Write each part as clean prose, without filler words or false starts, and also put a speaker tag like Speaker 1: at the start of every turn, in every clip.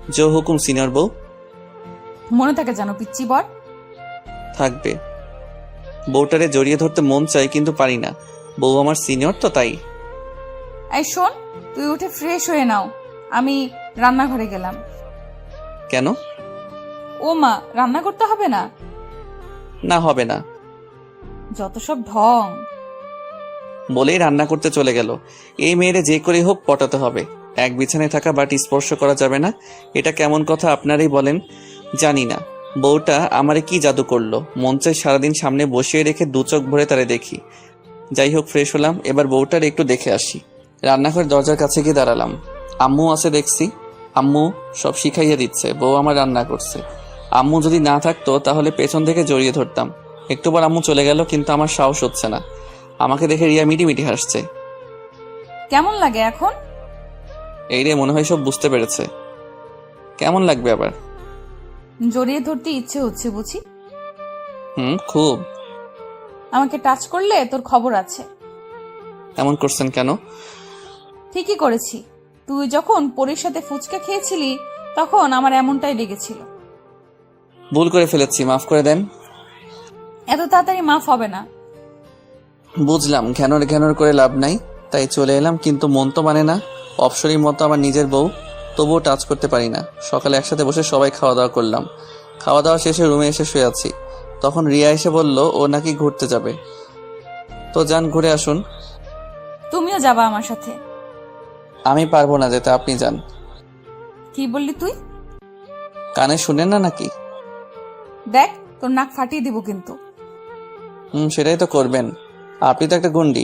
Speaker 1: জো হুকুম সিনিয়র বউ।
Speaker 2: মনে থাকে জানো পিচ্চি বর।
Speaker 1: থাকবে। বউটারে জড়িয়ে ধরতে মন চাই কিন্তু পারি না, বউ আমার সিনিয়র তো তাই।
Speaker 2: এই শোন, তুই উঠে ফ্রেশ হয়ে নাও, আমি রান্নাঘরে গেলাম।
Speaker 1: কেন?
Speaker 2: ও মা, রান্না করতে হবে না?
Speaker 1: না হবে না
Speaker 2: যত সব ঢং।
Speaker 1: বলেই রান্না করতে চলে গেল। এই মেয়েরে যে করে হোক পটাতে হবে। এক বিছানায় থাকা বাট স্পর্শ করা যাবে না, এটা কেমন কথা আপনারাই বলেন। জানি না বউটা আমারে কি জাদু করলো, মন চাই সারাদিন সামনে বসিয়ে রেখে দু চোখ ভরে তারে দেখি। যাই হোক ফ্রেশ হলাম, এবার বউটার একটু দেখে আসি। রান্নাঘর দরজার কাছে গিয়ে দাঁড়ালাম। আম্মু আছে দেখছি, আম্মু সব শিখাইয়া দিচ্ছে, বউ আমার রান্না করছে। আম্মু যদি না থাকতো তাহলে পেছন থেকে জড়িয়ে ধরতাম। একটুবার আম্মু চলে গেল কিন্তু আমার সাহস হচ্ছে না। আমাকে দেখে রিয়া মিটিমিটি হাসছে।
Speaker 2: কেমন লাগে এখন?
Speaker 1: এই রে, মনে হয় সব বুঝতে পেরেছে। কেমন লাগবে আবার?
Speaker 2: জড়িয়ে ধরতে ইচ্ছে হচ্ছে বুঝি।
Speaker 1: খুব।
Speaker 2: আমাকে টাচ করলে তোর খবর আছে।
Speaker 1: এমন করছেন কেন?
Speaker 2: ঠিকই করেছি। তুই যখন পরীর সাথে ফুচকা খেয়েছিলি তখন আমার এমনটাই লেগেছিল।
Speaker 1: ভুল করে ফেলেছি, মাফ করে দেন।
Speaker 2: এত তাড়াতাড়ি মাফ হবে না।
Speaker 1: বুঝলাম ঘ্যানর ঘ্যানর করে লাভ নাই, তাই চলে এলাম, কিন্তু মন তো মানে না। অপসরীর মতো আমার নিজের বউ, তবুও টাচ করতে পারি না। সকালে একসাথে বসে সবাই খাওয়া দাওয়া করলাম। খাওয়া দাওয়া শেষে রুমে এসে শুয়ে আছি, তখন রিয়া এসে বলল ও নাকি ঘুরতে যাবে। তো যান, ঘুরে আসুন।
Speaker 2: তুমিও যাবা আমার সাথে?
Speaker 1: আমি পারবো না যেতে, আপনি যান।
Speaker 2: কি বললি তুই?
Speaker 1: কানে শুনেন না নাকি?
Speaker 2: দেখ, তোর নাক ফাটিয়ে দিব কিন্তু।
Speaker 1: সেটাই তো করবেন, আপনি তো একটা গুন্ডি।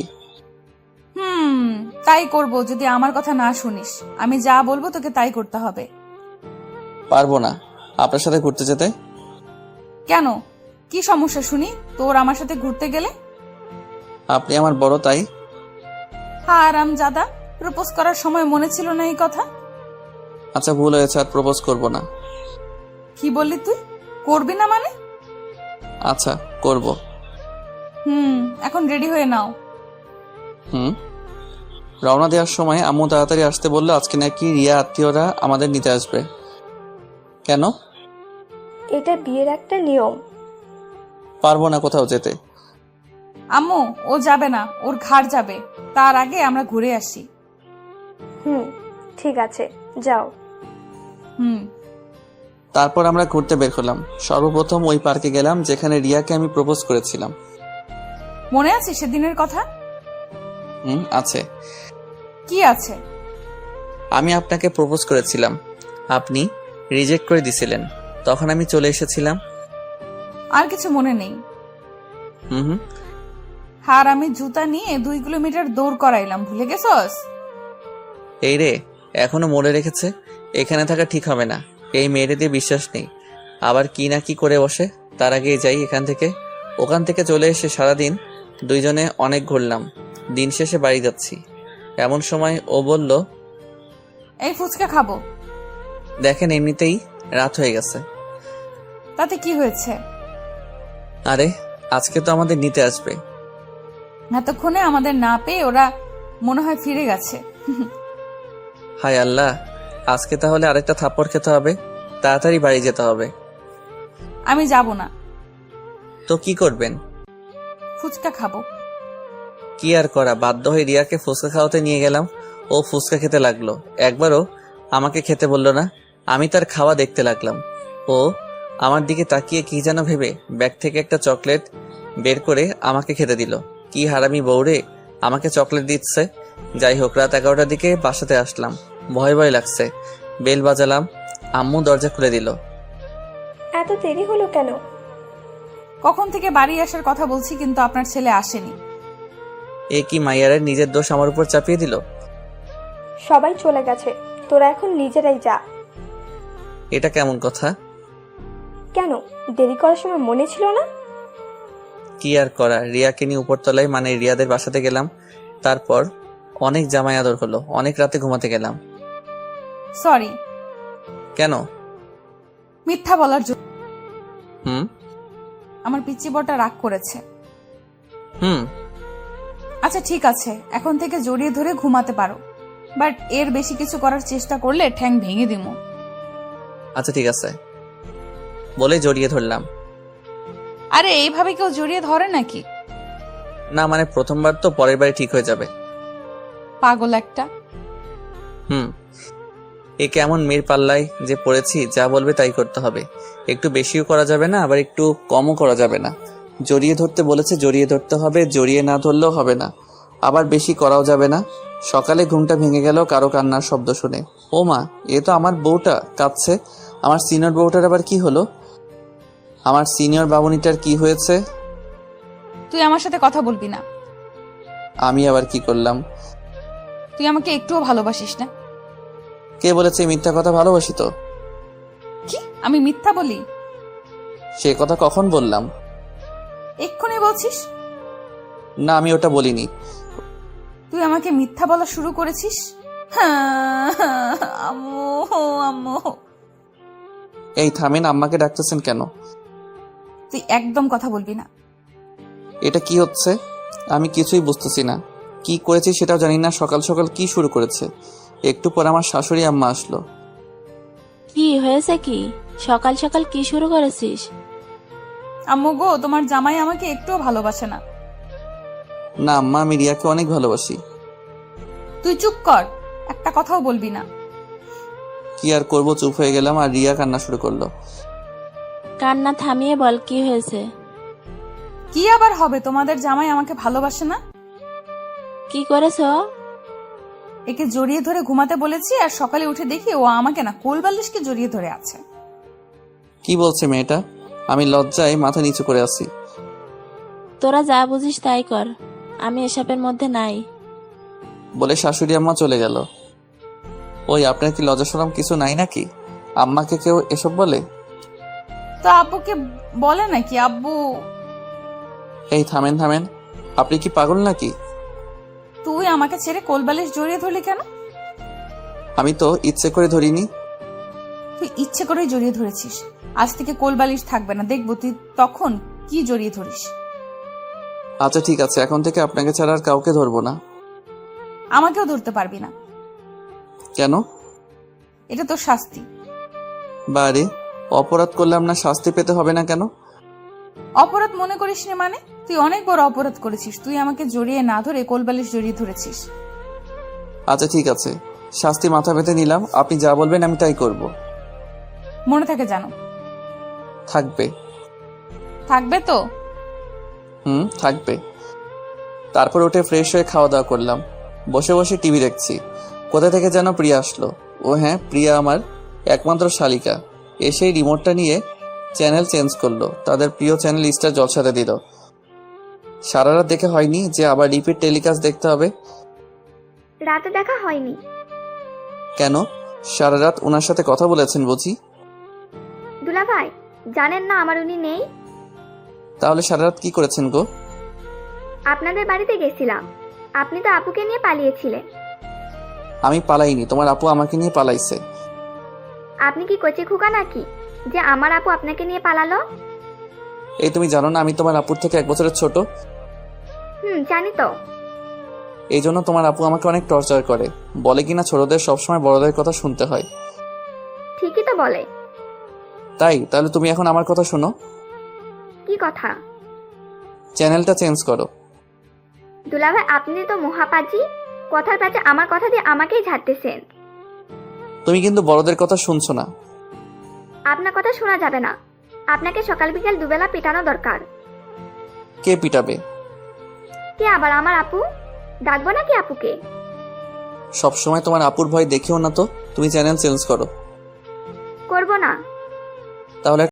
Speaker 2: তাই করব যদি আমার কথা না শুনিস। আমি যা বলবো তোকে তাই করতে হবে।
Speaker 1: পারবো না আপনার সাথে ঘুরতে যেতে।
Speaker 2: কেন, কি সমস্যা শুনি তোর আমার সাথে ঘুরতে গেলে?
Speaker 1: আপনি আমার বড় তাই।
Speaker 2: হারাম জাদা, প্রপোজ করার সময় মনে ছিল না এই কথা?
Speaker 1: আচ্ছা ভুল হয়েছে, আর প্রপোজ করব না।
Speaker 2: কি বললি তুই? করবি না মানে?
Speaker 1: আচ্ছা করব।
Speaker 2: এখন রেডি হয়ে নাও।
Speaker 1: রওনা দেওয়ার সময় আম্মু তাড়াতাড়ি আসতে বললো, আজকে নাকি রিয়া আত্মীয়রা আমাদের নিতে আসবে। কেন?
Speaker 3: এটা বিয়ের একটা নিয়ম।
Speaker 1: পারবো না কোথাও যেতে।
Speaker 2: আম্মু, ও যাবে না, ওর ঘাড় যাবে। তার আগে আমরা ঘুরে আসি।
Speaker 3: ঠিক আছে, যাও।
Speaker 1: তারপর আমরা ঘুরতে বের হলাম। সর্বপ্রথম ওই পার্কে গেলাম যেখানে রিয়াকে আমি প্রপোজ করেছিলাম।
Speaker 2: মনে আছে সেদিনের কথা?
Speaker 1: আছে।
Speaker 2: কি আছে?
Speaker 1: আমি আপনাকে প্রপোজ করেছিলাম, আপনি রিজেক্ট করে দিছিলেন, তখন আমি চলে এসেছিলাম।
Speaker 2: আর কিছু মনে নেই? আর আমি জুতা নিয়ে 2 কিলোমিটার দৌড় করাইলাম, ভুলে গেছস?
Speaker 1: এই রে, এখনো মনে রেখেছে। এখানে থাকা ঠিক হবে না, এই মেয়েরে দিয়ে বিশ্বাস নেই। আবার কি না কি করে বসে। তার আগে যাই এখান থেকে। ওখান থেকে চলে এসে সারাদিন দুইজনে অনেক ঘুরলাম। দিন শেষে বাড়ি যাচ্ছি, এমন সময় ও বলল,
Speaker 2: এই ফুচকা খাবো।
Speaker 1: দেখেন এমনিতেই রাত হয়ে গেছে।
Speaker 2: তাতে কি হয়েছে?
Speaker 1: আরে আজকে তো আমাদের নিতে আসবে।
Speaker 2: এতক্ষণে আমাদের না পেয়ে ওরা মনে হয় ফিরে গেছে।
Speaker 1: হায় আল্লাহ, আজকে তাহলে আরেকটা থাপ্পড় খেতে হবে, তাড়াতাড়ি বাড়ি যেতে হবে।
Speaker 2: আমি যাব না।
Speaker 1: তো কি করবেন?
Speaker 2: ফুচকা খাবো।
Speaker 1: কি আর করা, বাধ্য হয়ে রিয়াকে ফুচকা খাওয়াতে নিয়ে গেলাম। ও ফুচকা খেতে লাগলো, একবারও আমাকে খেতে বললো না। আমি তার খাওয়া দেখতে লাগলাম। ও আমার দিকে তাকিয়ে কি যেন ভেবে ব্যাগ থেকে একটা চকলেট বের করে আমাকে খেতে দিল। কি হারামি বউরে, আমাকে চকলেট দিচ্ছে। যাই হোক, রাত 11টার দিকে বাসাতে আসলাম। ভয় ভয় লাগছে। বেল বাজালাম, আম্মু দরজা খুলে দিল।
Speaker 3: এত দেরি হলো কেন?
Speaker 2: কখন থেকে বাড়ি আসার কথা বলছি কিন্তু আপনার ছেলে আসেনি।
Speaker 1: এ কি মাইয়ারের নিজের দোষ আমার উপর চাপিয়ে দিল?
Speaker 3: সবাই চলে গেছে, তোরা এখন নিজেরাই যা।
Speaker 1: এটা কেমন কথা?
Speaker 3: কেন, দেরি করার সময় মনে ছিল না?
Speaker 1: কি আর করা, রিয়াকে নিয়ে উপরতলায় মানে রিয়াদের বাসাতে গেলাম। তারপর অনেক জামাই আদর হলো, অনেক রাতে ঘুমাতে গেলাম।
Speaker 2: সরি।
Speaker 1: কেন?
Speaker 2: মিথ্যা বলার জন্য।
Speaker 1: হুম
Speaker 2: আমার পিচ্চি বড়টা রাগ করেছে।
Speaker 1: হুম
Speaker 2: আচ্ছা ঠিক আছে, এখন থেকে জড়িয়ে ধরে ঘুমাতে পারো, বাট এর বেশি কিছু করার চেষ্টা করলে ঠ্যাং ভেঙে দিমু।
Speaker 1: আচ্ছা ঠিক আছে বলে জড়িয়ে ধরলাম।
Speaker 2: আরে এইভাবে কেউ জড়িয়ে ধরে নাকি?
Speaker 1: না মানে প্রথমবার তো, পরের বারে ঠিক হয়ে যাবে।
Speaker 2: পাগল একটা।
Speaker 1: এ কেমন মেয়ের পাল্লায় যে পড়েছি, যা বলবে তাই করতে হবে। একটু বেশিও করা যাবে না, আবার একটু কমও করা যাবে না। জড়িয়ে ধরতে বলেছে, জড়িয়ে ধরতে হবে, জড়িয়ে না ধরলেও হবে না, আবার বেশি করাও যাবে না। সকালে ঘুমটা ভেঙে গেল কারো কান্নার শব্দ শুনে। ও মা, এ তো আমার বউটা কাঁদছে। আমার সিনিয়র বউটার আবার কি হলো? আমার সিনিয়র বাবুনিটার কি হয়েছে?
Speaker 2: তুই আমার সাথে কথা বলবি না।
Speaker 1: আমি আবার কি করলাম?
Speaker 2: তুই আমাকে একটুও ভালোবাসিস না।
Speaker 1: কে বলেছে মিথ্যা কথা? ভালোবাসি তো।
Speaker 2: কি আমি মিথ্যা বলি?
Speaker 1: সে কথা কখন বললাম?
Speaker 2: এক্ষুনি বলছিস।
Speaker 1: না, আমি ওটা বলিনি।
Speaker 2: তুই আমাকে মিথ্যা বলা শুরু করেছিস। হ্যাঁ, আম্মু আম্মু।
Speaker 1: এই থামেন, আম্মাকে ডাকতেছেন কেন?
Speaker 2: তুই একদম কথা বলবি না।
Speaker 1: এটা কি হচ্ছে? আমি কিছুই বুঝতেছি না। কি করেছি সেটাও জানি না। সকাল সকাল কি শুরু করেছে? একটু পর আমার শাশুড়ি আম্মা আসলো।
Speaker 4: কি হয়েছে? কি সকাল সকাল কি শুরু করেছিস?
Speaker 2: আম্মু গো, তোমার জামাই আমাকে একটুও ভালোবাসে না।
Speaker 1: না আম্মা, আমি রিয়াকে অনেক ভালোবাসি।
Speaker 2: তুই চুপ কর, একটা কথাও বলবি না।
Speaker 1: কি আর করব, চুপ হয়ে গেলাম আর রিয়া কান্না শুরু করলো।
Speaker 4: কান্না থামিয়ে বল কি হয়েছে।
Speaker 2: কি আবার হবে? তোমাদের জামাই আমাকে ভালোবাসে না।
Speaker 4: কি করেছ?
Speaker 2: একে জড়িয়ে ধরে ঘুমাতে বলেছি, আর সকালে উঠে দেখি ও আমাকে না কোলবালিশকে জড়িয়ে ধরে আছে।
Speaker 1: কি বলছে মেয়েটা? আমি লজ্জায় মাথা নিচু করে আছি।
Speaker 4: তোরা যা বুঝিস তাই কর, আমি এসবের মধ্যে নাই।
Speaker 1: বলে শাশুড়ি আম্মা চলে গেল। ওই, আপনার কি লজ্জা শরম কিছু নাই নাকি? আম্মাকে কেউ এসব বলে?
Speaker 2: তো আব্বুকে বলে নাকি? আব্বু।
Speaker 1: এই থামেন থামেন, আপনি কি পাগল নাকি?
Speaker 2: তুই আমাকে ছেড়ে কোলবালিশ জড়িয়ে ধরলি কেন?
Speaker 1: আমি তো ইচ্ছে করে ধরিনি।
Speaker 2: তুই ইচ্ছে করেই জড়িয়ে ধরেছিস। আজ থেকে কোলবালিশ থাকবে না, দেখবো তুই তখন কি জড়িয়ে ধরিস।
Speaker 1: আচ্ছা ঠিক আছে, এখন থেকে আপনাকে ছাড়া আর কাউকে ধরবো না।
Speaker 2: আমাকেও ধরতে পারবি না।
Speaker 1: কেন?
Speaker 2: এটা তোর শাস্তি।
Speaker 1: বারে, অপরাধ করলাম না, শাস্তি পেতে হবে না কেন?
Speaker 2: অপরাধ মনে করিস নি মানে? তুই অনেক বড় অপরাধ করেছিস। তুই আমাকে জড়িয়ে না ধরে কোলবালিশ জড়িয়ে ধরেছিস।
Speaker 1: আচ্ছা ঠিক আছে, শাস্তি মাথা পেতে নিলাম। আপনি যা বলবেন আমি তাই করব।
Speaker 2: মনে থাকে জানো।
Speaker 1: থাকবে।
Speaker 2: থাকবে তো?
Speaker 1: থাকবে। তারপর উঠে ফ্রেশ হয়ে খাওয়া দাওয়া করলাম। বসে বসে টিভি দেখছি। কোথা থেকে যেন প্রিয়া আসলো। ও হ্যাঁ, প্রিয়া আমার একমাত্র শালিকা। এসেই রিমোটটা নিয়ে চ্যানেল চেঞ্জ করলো। তাদের প্রিয় চ্যানেল স্টার জলসাতে দিল। সারা রাত দেখে হয়নি যে আবার রিপিট টেলিকাস্ট দেখতে হবে।
Speaker 3: রাতে দেখা হয়নি।
Speaker 1: কেন? সারা রাত ওনার সাথে কথা বলেছেন বুঝি?
Speaker 3: দুলা ভাই, জানেন না আমার উনি নেই?
Speaker 1: তাহলে সারা রাত কি করেছেন গো?
Speaker 3: আপনাদের বাড়িতে গেছিলাম। আপনি তো আপুকে নিয়ে পালিয়েছিলেন।
Speaker 1: আমি পালাইনি, তোমার আপু আমাকে নিয়ে পালাইছে।
Speaker 3: আপনি কি কচি খোকা নাকি যে আমার আপু আপনাকে নিয়ে পালালো?
Speaker 1: এই তুমি জানো না আমি তোমার আপুর থেকে 1 বছরের ছোট?
Speaker 3: জানি তো।
Speaker 1: এই জন্য তোমার আপু আমাকে অনেক টর্চার করে। বলে কিনা ছোটদের সবসময় বড়দের কথা শুনতে হয়।
Speaker 3: ঠিকই তো বলে।
Speaker 1: তাই তাহলে তুমি এখন আমার কথা শোনো।
Speaker 3: কি কথা?
Speaker 1: চ্যানেলটা চেঞ্জ করো।
Speaker 3: দুলা ভাই, আপনি তো মহাপাজি। কথার পাশে আমার কথা দিয়ে আমাকেই ঝাড়তেছেন।
Speaker 1: তুমি কিন্তু বড়দের কথা শুনছো না।
Speaker 3: আপনার কথা শোনা যাবে না। আপনাকে সকাল বিকেল দুবেলা পিটানো দরকার।
Speaker 1: কে পিটাবে?
Speaker 3: কে আবার? আমার আপু। ডাকবো নাকি আপুকে?
Speaker 1: সবসময় তোমার আপুর ভয় দেখিও না তো। তুমি চ্যানেল চেঞ্জ করো।
Speaker 3: করবো না।
Speaker 1: তাহলে